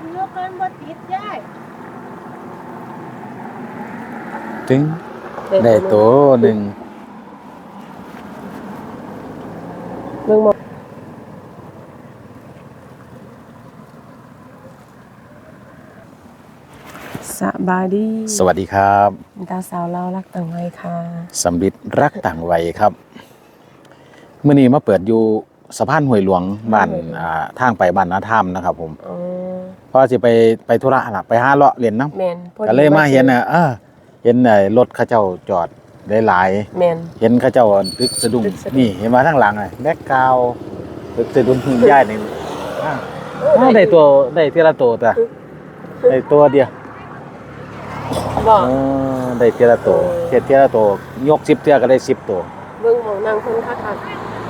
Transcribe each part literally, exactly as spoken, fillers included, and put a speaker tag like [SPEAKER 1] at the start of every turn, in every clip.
[SPEAKER 1] ยกกันบ่ติดได้
[SPEAKER 2] ถึงได้โตหนึ่ง
[SPEAKER 3] เมืองมสบายดี
[SPEAKER 2] สวัสดีครับ
[SPEAKER 3] ดาวสาวเรารักต่างวัยค่ะ
[SPEAKER 2] สำลิดรักต่างวัยครับเมื่อนี้มาเปิดอยู่สะพานห้วยหลวงบ้านอ่าทางไปบ้านนาถ้ำนะครับผมเพราะสิไปไปธุระล่ะไปหาเลาะเรียนน้ำก็เลยมาเห็นน่ะเออเห็นไอ้รถเขาเจ้าจอดได้หลายเห็นเขาเจ้าตึกสะดุ้งนี่เห็นมาทางหลังไอ้แบ็คกราวด์ตึกสะดุ้งหิ้งย่ายนี่ได้ตัวได้ทีละตัวแต่ได้ตัวเดียวได้ทีละตัวเทียละตัวยกสิบเทียก็ได้สิบตัว
[SPEAKER 3] เบิ่งของนางคนคักคัก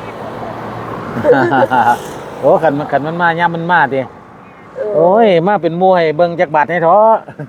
[SPEAKER 2] โอ้ขันขันมันมาย่ามันมาดิโอ้ยมาเป็นมวยเบิ่งจักบาทให้ท้อ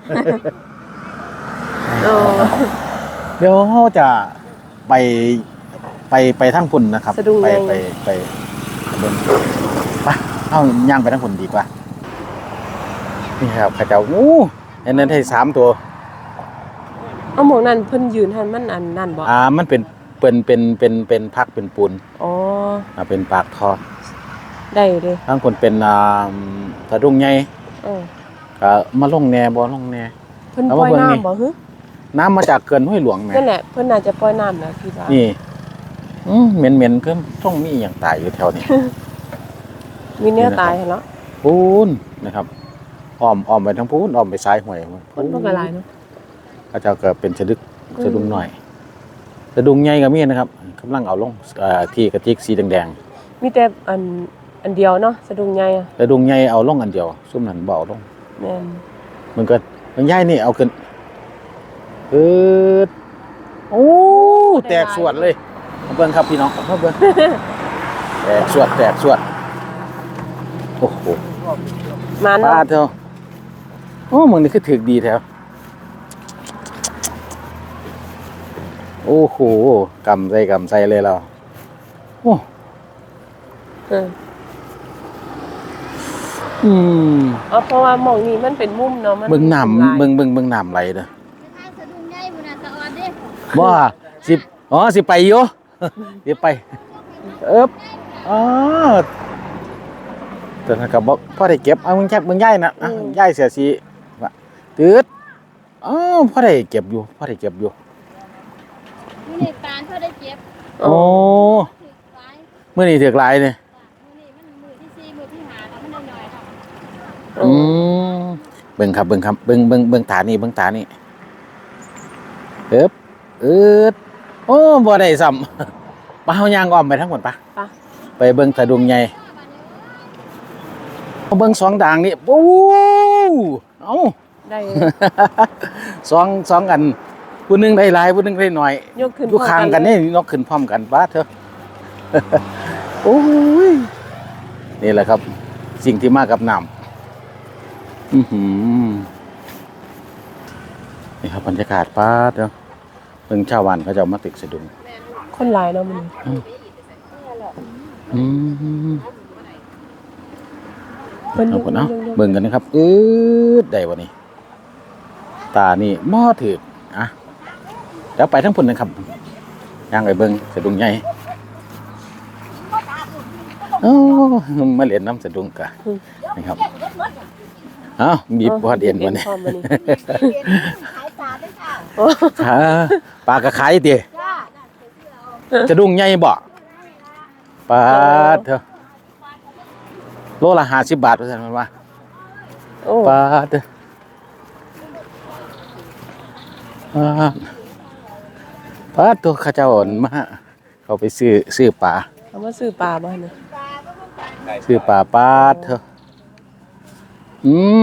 [SPEAKER 2] เดี๋ยวเขาจะไปไปไปทั้งพุ่นนะครับไปไปไปเบิ่งไปเอาย่างไปทั้งพุ่นดีกว่านี่ครับข้าเจ้าอู้เห็นนั้นให้สามตัว
[SPEAKER 3] เอาหมองนั่นเพิ่นยืนหันมันอันนั่นบ่
[SPEAKER 2] อ่ามันเป็นเป็นเป็นเป็นเป็นพักเป็นปูน
[SPEAKER 3] อ๋อ
[SPEAKER 2] อ่าเป็นปากท่อ
[SPEAKER 3] ได้เด้
[SPEAKER 2] ทั้งคนเป็นอ่าสะดุ้งใหญ่
[SPEAKER 3] เออ
[SPEAKER 2] ก็มาลงแหน่บ่ลงแหน่
[SPEAKER 3] เพิ่นปล่อยน้ำบ่ฮึ
[SPEAKER 2] น้ำมาจากเขื่อนห้วยหลวงแม่
[SPEAKER 3] นั่นแหละเพิ่นน่าจะปล่อยน้ำนะพี่ว่า
[SPEAKER 2] นี่อืมเหม็นๆคือต้องมีหยังตายอยู่แถวนี้
[SPEAKER 3] มีเนื้อตายหั่นเนาะ
[SPEAKER 2] ปูนนะครับอ้อมอ้อมไปทางปูนอ้อมไปซ้ายห้วย
[SPEAKER 3] เพิ่นบ่กระลายเนาะ
[SPEAKER 2] ก็เจ้าก็เป็นสะดึกสะดุ้งหน่อยสะดุ้งใหญ่ก็มีนะครับกำลังเอาลงเอ่อที่กระติกสีแดง
[SPEAKER 3] ๆมีแต่อันอันเดียวเนาะสะดุ้งใหญ่อ่ะ
[SPEAKER 2] สะดุ้งใหญ่เอาลงอันเดียวซุ่มนั้นบ่เอาลง
[SPEAKER 3] แม่น
[SPEAKER 2] มันก็มันใหญ่นี่เอาขึ้นเอิดโอ้แตกสวดเลยมาเบิ่งครับพี่น้องมาเบิ่งแตกสวดแตกสวดโอ้โห
[SPEAKER 3] มัน
[SPEAKER 2] ปลาเถอะโอ้มึงนี่คือถึกดีแท้โอ้โหกำใส่กำใส่เลยเราโอ้
[SPEAKER 3] เออ
[SPEAKER 2] อืม
[SPEAKER 3] อ๋อเพราะว่าหม่องนี้มันเป็นมุมเนาะมัน
[SPEAKER 2] เบิ่งน้ำเบิ่งเบิ่งเบิ่งน้ำไหลเด้อบ่สิอ๋อสิไปอยู่สิไปเอิบอ๋อแต่ถ้าก็บ่พอได้เก็บเอามึงแค่มึงย้ายน่ะย้ายเสียสิว่าตืดอ๋อพอได้เก็บอยู่พอได้เก็บอยู่
[SPEAKER 1] มื้อนี้ตาลพอได้เก็บ
[SPEAKER 2] โอ้มื้อนี้ถึกหลายนี่
[SPEAKER 1] มื้อนี้มันมื้อที่สี่มื้อที่ห้าแล้วมันน้อยๆครับ
[SPEAKER 2] อืมเบิ่งครับเบิ่งครับเบิ่งเบิ่งเบิ่งตานี่เบิ่งตานี่เอิบเอิดโอ้บ่ได้ซ้ำมาเฮาย่างอ้อมไปทั้งหมดปะไปเบิ่งสะดุ้งใหญ่เบิ่งสองด่างนี่โอ้เอ้า
[SPEAKER 3] ได้
[SPEAKER 2] สองสองอันผู้นึงได้หลายผู้นึงได้น้อย
[SPEAKER 3] ยกขึ้น
[SPEAKER 2] อยู่ข้างกันนี่ยกขึ้นพร้อมกันบาดเถอะโอ้ยนี่แหละครับสิ่งที่มากับน้ำอื้อหือนี่ครับบรรยากาศปาดเนาะเบิ่งชาวบ้านเขาจะมาตึกสะดุ้ง
[SPEAKER 3] คนหลายเนาะมัน
[SPEAKER 2] อืมเอาคนเนาะเบิ่งกันนะครับอืดได้บ่นี่ตานี่มอถึกอ่ะแล้วไปทั้งพุ่นนะครับย่างไปเบิ่งสะดุ้งใหญ่โอ้มาเล่นน้ำสะดุ้งกะนะครับเอ้าบีบบ่เด่นบ่นี่ค่ะปลากระขายติสะดุ้งใหญ่บ่ปลาเถอะโลละห้าสิบบาทว่าซั่นมันว่าปลาเถอะปลาตัวข้าเจ้าอ่อนมาเขาไปซื้อซื้อปลา
[SPEAKER 3] เขามาซื้อปลาบ้านเนี่ย
[SPEAKER 2] ซื้อปลาปลาเถอะอืม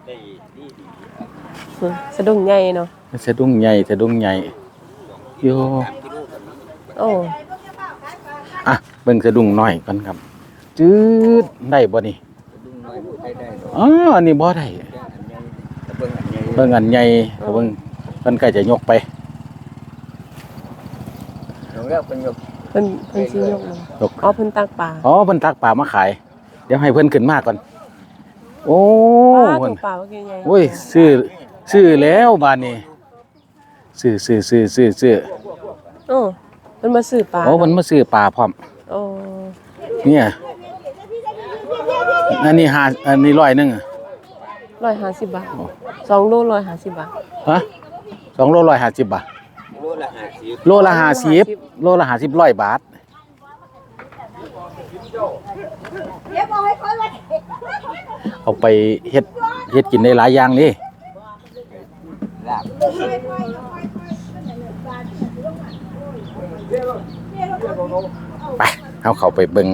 [SPEAKER 3] สะดุ้งใหญ่เนาะ
[SPEAKER 2] สะดุ้งใหญ่สะดุ้งใหญ่โย
[SPEAKER 3] โอ้
[SPEAKER 2] อ่ะเบิ่งสะดุ้งน้อยก่อนครับจืดได้บ่นี่อ๋ออันนี้บ่ได้เบิ่งอันใหญ่เบิ่งเพิ่นใกล้จะยกไป
[SPEAKER 3] เพิ่นเพิ่นสิยกอ๋อเพิ่นตักปลา
[SPEAKER 2] อ๋อเพิ่นตักปลามาขายเดี๋ยวให้เพิ่นขึ้นมาก่อนโอ้
[SPEAKER 3] ปลา
[SPEAKER 2] เพิ่
[SPEAKER 3] ตั
[SPEAKER 2] น
[SPEAKER 3] วปลาเมื่อกี้ใหญ่
[SPEAKER 2] โอ้ยซื้อซื้อแล้วบาดนี้ซื้อซื้อซื้อซื้อซื้อ
[SPEAKER 3] โอ้มันมาซื้อปลา
[SPEAKER 2] โอ้เพิ่นมาซื้อปลาพร้อม
[SPEAKER 3] โอ้
[SPEAKER 2] เนี่ยอันนี้ห้าอันนี้ร้อยหนึงอะ
[SPEAKER 3] ร้อยห้าสิบบาทสองโลร้อยห้าสิบบาท
[SPEAKER 2] ฮะสองโลร้อยห้าสิบบาท
[SPEAKER 4] โลละห้าสิบ
[SPEAKER 2] โลละห้าสิบโลละห้าสิบร้อยบาทเอาไปเฮ็ดเฮ็ดกินได้หลายอย่างนี่
[SPEAKER 4] ลาบ
[SPEAKER 2] ไปเอาเข้าไปเบิ่ง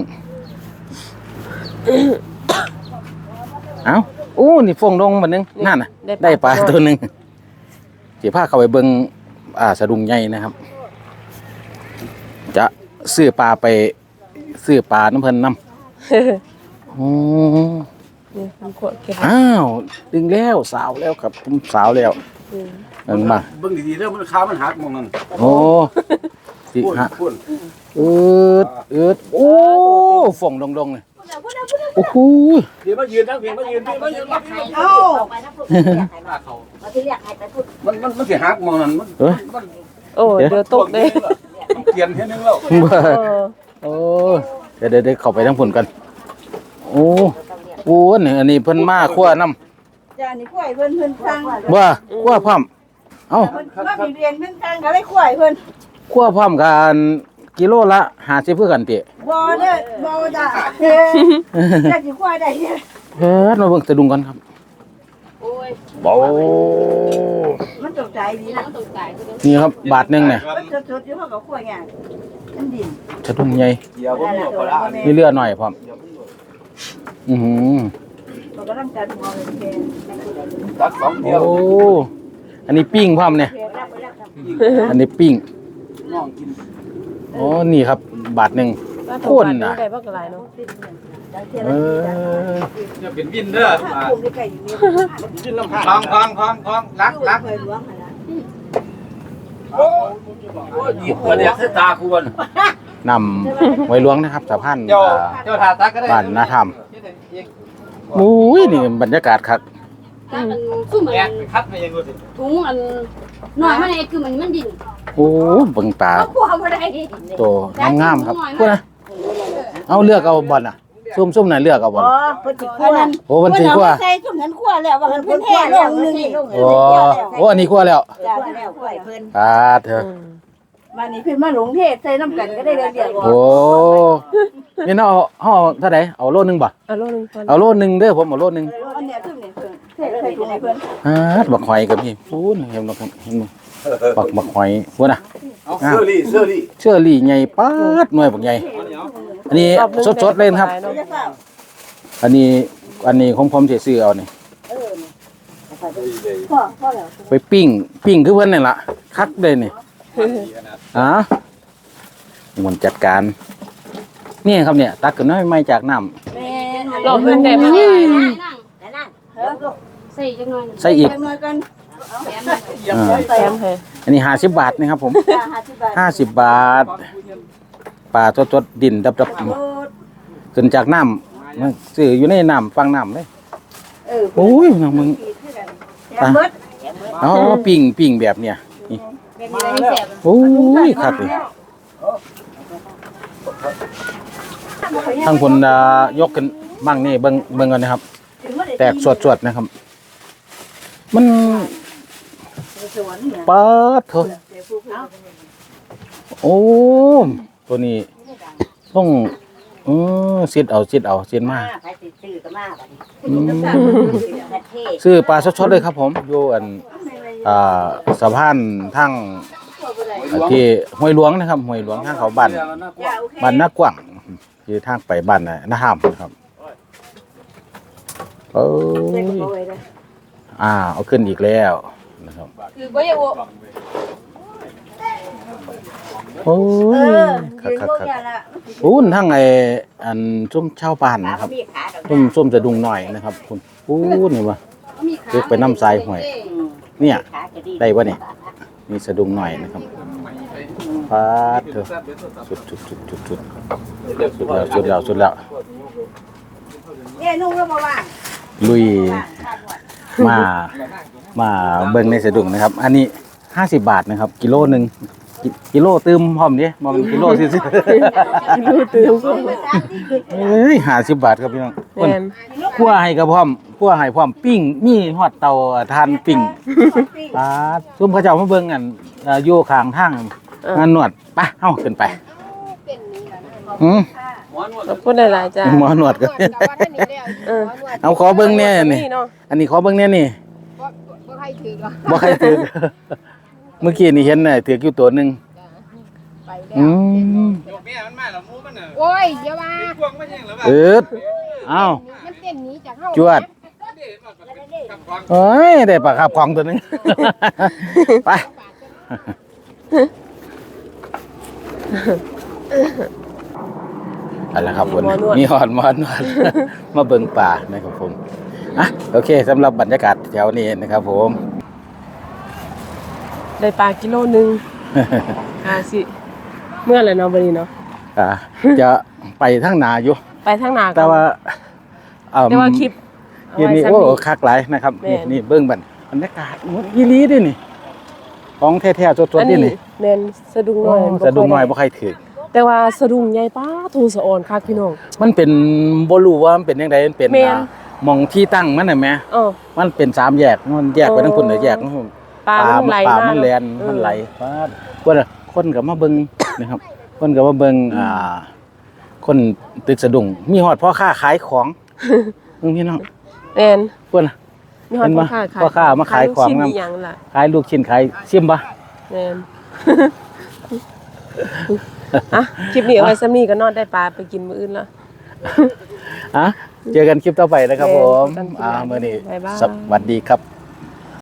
[SPEAKER 2] เอ้าโอ้นี่ฟงดงบัดนึงนั่นน่ะได้ปลาตัวหนึงสิพาเข้าไปเบิ่งอ่าสะดุ้งใหญ่นะครับ จะซื้อปลาไปซื้อปลาน้ำเพิ่นนำ อืม
[SPEAKER 3] นี่มันขวดเก็บ
[SPEAKER 2] อ้าวดึงแล้วสาวแล้วครับผมสาวแล้ว
[SPEAKER 3] อืม
[SPEAKER 2] เบิ่งมา
[SPEAKER 4] เบิ่งดีๆเด้อมันขามันหักมองนั่น
[SPEAKER 2] โอ้สิ
[SPEAKER 4] พุ่น
[SPEAKER 2] ฮะ
[SPEAKER 4] พุ่น
[SPEAKER 2] อืดอืดโอ้ฝ่องดงๆเลยโอ้โห
[SPEAKER 4] เดี๋ยวมายืนทั้งเพียงมายืนพี่มายืนมายืน
[SPEAKER 1] เอ้า
[SPEAKER 4] มันมันมันสิหักมองนั่นมัน
[SPEAKER 2] เอ้ย
[SPEAKER 4] มัน
[SPEAKER 3] โอ้เดี๋ยวตกเด้
[SPEAKER 4] มันเปลี่ยนเฮ็ดนึงแล้ว
[SPEAKER 2] บ่
[SPEAKER 3] เออ
[SPEAKER 2] โอ้เดี๋ยวเดี๋ยวเดี๋ยวเข้าไปทั้งผลกันโอ้โอ้นี่อันนี้เพิ่นมาคั่วน้
[SPEAKER 1] จ้านี่ข่อยเพิ่นเพิ่นสั่ง
[SPEAKER 2] ำว่าคั่วพร้อมเอ้า
[SPEAKER 1] เพิ่นมามีเรียนเพิ่นสั่งก็เลยข่อยเพิ่น
[SPEAKER 2] คั่วพร้อมกันกิโลละห้าสิบเพื่อกันติ
[SPEAKER 1] บ่เด้อบ่จ้าเฮ้จะสิข่อยได้เนี่ย
[SPEAKER 2] เฮ็ดมาเบิ่งสะดุ้งกันครับ
[SPEAKER 1] โอ้ย
[SPEAKER 2] โอ้
[SPEAKER 1] มันตกใจดีนะมันตกใจ
[SPEAKER 2] นี่ครับบาทหนึงเนี่ย
[SPEAKER 1] มันสดๆอยู่เฮาก็ข่อยหยังมันดิน
[SPEAKER 2] สะดุ้งใหญ่
[SPEAKER 4] เดี๋ยวผมเอาปลา
[SPEAKER 2] มีเลือดหน่อยพร้อมอือหือ
[SPEAKER 1] มันก็ต้องการหัวเลยแก
[SPEAKER 4] ตักสองเดียว
[SPEAKER 2] โอ้ อันนี้ปิ้งพร้อมเนี่ย
[SPEAKER 1] แกรับไปแล้วครับ
[SPEAKER 2] อันนี้ปิ้ง
[SPEAKER 4] น้องกิน
[SPEAKER 2] โอ้ นี่ครับ บาทหนึ่ง
[SPEAKER 3] ปลา
[SPEAKER 2] โค
[SPEAKER 3] ตัวป
[SPEAKER 2] น
[SPEAKER 3] ลา
[SPEAKER 2] น่ะ
[SPEAKER 3] ได้บักหลายเนาะ
[SPEAKER 2] เออ
[SPEAKER 4] อย่าเป็นวินเด้อ
[SPEAKER 1] ถ้าคุมได้ไก่อยู่นี่
[SPEAKER 4] กินลำพังพังพังพังรักรัก
[SPEAKER 1] เคยล้วงหั่นน่ะ
[SPEAKER 4] โอ้ยหยิบมาเนี่ยตาควร
[SPEAKER 2] นำไว้ล้วงนะครับสะพาน
[SPEAKER 4] เจ้า
[SPEAKER 2] อ่า
[SPEAKER 4] เจ้าทาตักก็ได้
[SPEAKER 2] บ้านนาธรรมมุ้ยนี่บรรยากาศครับ
[SPEAKER 1] ถ้ามันคือเหมือ
[SPEAKER 4] แอก
[SPEAKER 1] น
[SPEAKER 4] คัดมายังกูสิ
[SPEAKER 1] ถุงอันน้อยมันเองคือมันมันดิน
[SPEAKER 2] โอ้เบิ่งตา
[SPEAKER 1] เขากลัวบ่ได้
[SPEAKER 2] โตงามๆครับพูดนะ เอาเลือกเอาบอลน่ะ ซุ่มๆน่ะเลือกเอาบอล
[SPEAKER 1] อ๋อเพิ่นสิคั่วนั่น
[SPEAKER 2] โอ้มันสิคั่ว
[SPEAKER 1] ใส่ถุงนั้นคั่วแล้วว่าเพิ่นแท้ลงนึงนี่
[SPEAKER 2] โอ้โอ้อันนี้คั่วแล้ว
[SPEAKER 1] จ้าแล้วคั่วให้เพิ่น
[SPEAKER 2] อ่าเถอะ
[SPEAKER 3] อืม
[SPEAKER 1] วันนี้เพิ่นมาหลงเทศใส่น้ำกันก็ได้เรียกว่า
[SPEAKER 2] โอ้นี่เนาะเอาเอาเท่าไหร่เอาโลนึงบ่
[SPEAKER 3] เอาโลนึงพอ
[SPEAKER 2] เอาโลนึงเด้อผมเอาโลนึง
[SPEAKER 1] อันเนี้ยคือนี่เพิ่นเทศใส่ถุงให้เพิ่น
[SPEAKER 2] อ่าบักหอยกับพี่พูดเห็นบักเห็นบ่บักบักหอยพูดนะ
[SPEAKER 4] เอาเสื้อรี่เสื้อรี่
[SPEAKER 2] เชื่อรี่ใหญ่ป๊าดหน่วยบักใหญ่อันนี้
[SPEAKER 3] รอบหนึ่ง
[SPEAKER 2] สดๆเลยนะครับ
[SPEAKER 3] ได้บักหลาย
[SPEAKER 1] จะ
[SPEAKER 3] เนาะ
[SPEAKER 1] เปล่า
[SPEAKER 2] อันนี้อันนี้ของผมสิซื้อเอานี่
[SPEAKER 1] เออพ่อพ่อแล้ว
[SPEAKER 2] ไปปิ้งปิ้งคือเพิ่นนี่ล่ะคักเลยนี่อ่ามันจัดการ นี่ครับเนี่ย ตักขึ้นน้อยไม่จากน้ำ
[SPEAKER 1] แม่
[SPEAKER 3] รอบหนึงได้บักหลายเนาะ
[SPEAKER 1] นั่นนั่นเฮ้อ
[SPEAKER 5] ใส่จังหน่อย
[SPEAKER 2] ใส่อีก
[SPEAKER 1] จังหน่อยกัน
[SPEAKER 2] อ่า
[SPEAKER 3] แถมให้
[SPEAKER 2] อันนี้ห้าสิบบาทนะครับผม
[SPEAKER 1] จ้าห้าสิบบาท
[SPEAKER 2] ห้าสิบบาทปลาสดๆดินดับ
[SPEAKER 1] โอ้
[SPEAKER 2] ๆขึ้นจากน้ำมันซื้ออยู่ในน้ำฟังน้ำเลย
[SPEAKER 1] เออ
[SPEAKER 2] โอ้ยน้องมึง
[SPEAKER 1] แถมเบิด
[SPEAKER 2] เอาปิ้งปิ้งแบบเนี้ยนี่
[SPEAKER 1] เป็นอะไรให้แซ่บ
[SPEAKER 2] โอ้ยครับเลยทั้งคนอ่ายกกันบ้างนี่เบิ่งเบิ่งกันนะครับ แตกสวดๆนะครับ มันเปิดเถอะโอ้ตัวนี้ต้องเออเสียดเอาเสียดเอาเสียดมาก
[SPEAKER 1] ใครสิซื้อก็มาบัดนี้
[SPEAKER 2] อืม
[SPEAKER 1] ประเทศ
[SPEAKER 2] ซื้อปลาสดๆเลยครับผมอยู่อันอ่าสะพานทั้งที่ห้วยหลวงนะครับห้วยหลวงทางเขาบ้าน
[SPEAKER 1] จ้าโอเค
[SPEAKER 2] บ้านนากว้างคือทางไปบ้านน่ะนาห้ามครับเอ้ยอ่าเอาขึ้นอีกแล้วนะครับ
[SPEAKER 1] คือบ่อยาก
[SPEAKER 2] โอ้
[SPEAKER 1] เอย อ
[SPEAKER 2] คั
[SPEAKER 1] ยื
[SPEAKER 2] ก
[SPEAKER 1] น
[SPEAKER 2] คัก
[SPEAKER 1] บ่
[SPEAKER 2] คัก
[SPEAKER 1] อย่าละ
[SPEAKER 2] อู้นทั้งไออันส้มชาวบ้านนะครับ
[SPEAKER 1] มีขาดอก
[SPEAKER 2] ส้มส้มจะดุงหน่อยนะครับคุณอู้นี่วะ
[SPEAKER 5] มีขา
[SPEAKER 2] เรียกไปน้ำทรายห่วย เนี่ย
[SPEAKER 1] ขาก็ดี
[SPEAKER 2] ได้ปะเนี่ยมีสะดุงหน่อยนะครับฟาดเถอะสุดสุดสุดสุดสุดสุดแล้วสุดแล้วสุดแล้ว
[SPEAKER 1] เนี่ยนุ่งแล้วบ่ว่าง
[SPEAKER 2] นลุยมามาเบิ่งในสะดุ้งนะครับ อันนี้ห้าสิบบาทนะครับ กิโลหนึ่งกิกิโลตื้มพร้อมดิบ่เป็นกิโลซื่อ
[SPEAKER 3] กิโลเติม
[SPEAKER 2] ๆเอ้ยห้าสิบบาทครับพี่น้อง
[SPEAKER 3] แม่น
[SPEAKER 2] คั่วให้กับพร้อมคั่วให้พร้อมปิ้งมีฮอดเตาทานปิ้งปาดซุ่มเขาเจ้ามาเบิ่งอันเอ่ออยู่ข้างทางงานนวดไปเฮาขึ้นไปอืม
[SPEAKER 4] หมอนวด
[SPEAKER 3] ขอบคุณหลายๆจ้า
[SPEAKER 2] หมอนวดก็
[SPEAKER 3] เออ
[SPEAKER 2] เอาขอเบิ่งแน่นี่
[SPEAKER 3] เนาะ
[SPEAKER 2] อันนี้ขอเบิ่งแน่นี่
[SPEAKER 1] บ่บ่ใครถือหรอก
[SPEAKER 2] บ่ใครถือ เมื่อกี้นี่เห็นน่ะถืออยู่ตัวหนึง
[SPEAKER 1] ไปแล้ว
[SPEAKER 2] อืม
[SPEAKER 4] แม่มันมาแล้วมูมันน่ะ
[SPEAKER 1] โอ้ยอย่าว่า
[SPEAKER 4] พวงมันยังแล้วว่า
[SPEAKER 2] เอิดเอ้า
[SPEAKER 1] มันเต้นหนีจากเฮา
[SPEAKER 2] จวด
[SPEAKER 4] กับความ
[SPEAKER 2] เอ้ยได้ปลาคาบของตัวหนึง ไปเอะไรครับผมมีหอดหมอนวด มาเบิ่งป่านะครับผมอ่ะโอเคสำหรับบรรยากาศแถวนี้นะครับผม
[SPEAKER 3] ได้ปลากิโลหนึงอ่าสิเมื่อไหร่เนาะบัดนี้เนาะ
[SPEAKER 2] อ่าจะไปทางหนาอยู่
[SPEAKER 3] ไปทางหน้าก่อน
[SPEAKER 2] แต่ว่าเอ่อ
[SPEAKER 3] แต่ว่าคลิปเอา
[SPEAKER 2] ยี่
[SPEAKER 3] ไว้
[SPEAKER 2] นี่
[SPEAKER 3] ซ้ำ
[SPEAKER 2] โอ้
[SPEAKER 3] นี้
[SPEAKER 2] คักหลายนะครับ
[SPEAKER 3] แม่
[SPEAKER 2] นี่
[SPEAKER 3] น
[SPEAKER 2] นี่เบิ่งบันบรรยากาศยี่ลีด้วยนี่ของแท้ๆสด
[SPEAKER 3] อัน
[SPEAKER 2] ๆนี่
[SPEAKER 3] นี้
[SPEAKER 2] นี่
[SPEAKER 3] แม่นสะดุ้งน้อยบ่
[SPEAKER 2] สะดุ้งน้อย
[SPEAKER 3] ค่
[SPEAKER 2] บ่ใครถือ
[SPEAKER 3] แต่ว่าสะดุ้งใหญ่ป้าทูสะออนคักพี่น้อง
[SPEAKER 2] มันเป็นบ่รู้ว่ามันเป็นจังไดมันเป็น
[SPEAKER 3] แม่น
[SPEAKER 2] อ่าหมองที่ตั้งมันน่ะแหม
[SPEAKER 3] เออ
[SPEAKER 2] มันเป็นสามแยกมันแยกไปทั้งพุ่นน่ะแยกทั้งพุ่น
[SPEAKER 3] ปลามันไหล
[SPEAKER 2] ปลา
[SPEAKER 3] มา
[SPEAKER 2] มันแล่น
[SPEAKER 3] เออ
[SPEAKER 2] มันไหลฟาดคนน่ะคนก็มาเบิ่ง นะครับ คนก็มาเบิ่งอ่า คนตึกสะดุ้งมีฮอดพ่อค้าขายของเพิ่งพี่น้อง
[SPEAKER 3] แม่น
[SPEAKER 2] เพิ่นน่ะ
[SPEAKER 3] มีฮอด
[SPEAKER 2] เห็น
[SPEAKER 3] พ่
[SPEAKER 2] ปะ
[SPEAKER 3] อค้าขาย
[SPEAKER 2] พ่อค้ามาขายของ
[SPEAKER 3] ลูกชิ้น
[SPEAKER 2] นำ
[SPEAKER 3] อีหยังล่ะ
[SPEAKER 2] ขายลูกชิ้นขายซิมบ่
[SPEAKER 3] แม่น อ่ะคลิปนี้เอาไว้ซ้ำนี้ก็นอนได้ปลาไปกินมื้ออื่นแล้ว
[SPEAKER 2] อ่ะเจอกันคลิปต่อไปนะครับผม
[SPEAKER 3] เจอกันคลิปหน้า
[SPEAKER 2] อ่ามื้อนี้
[SPEAKER 3] บ๊ายบาย
[SPEAKER 2] สวัสดีครับ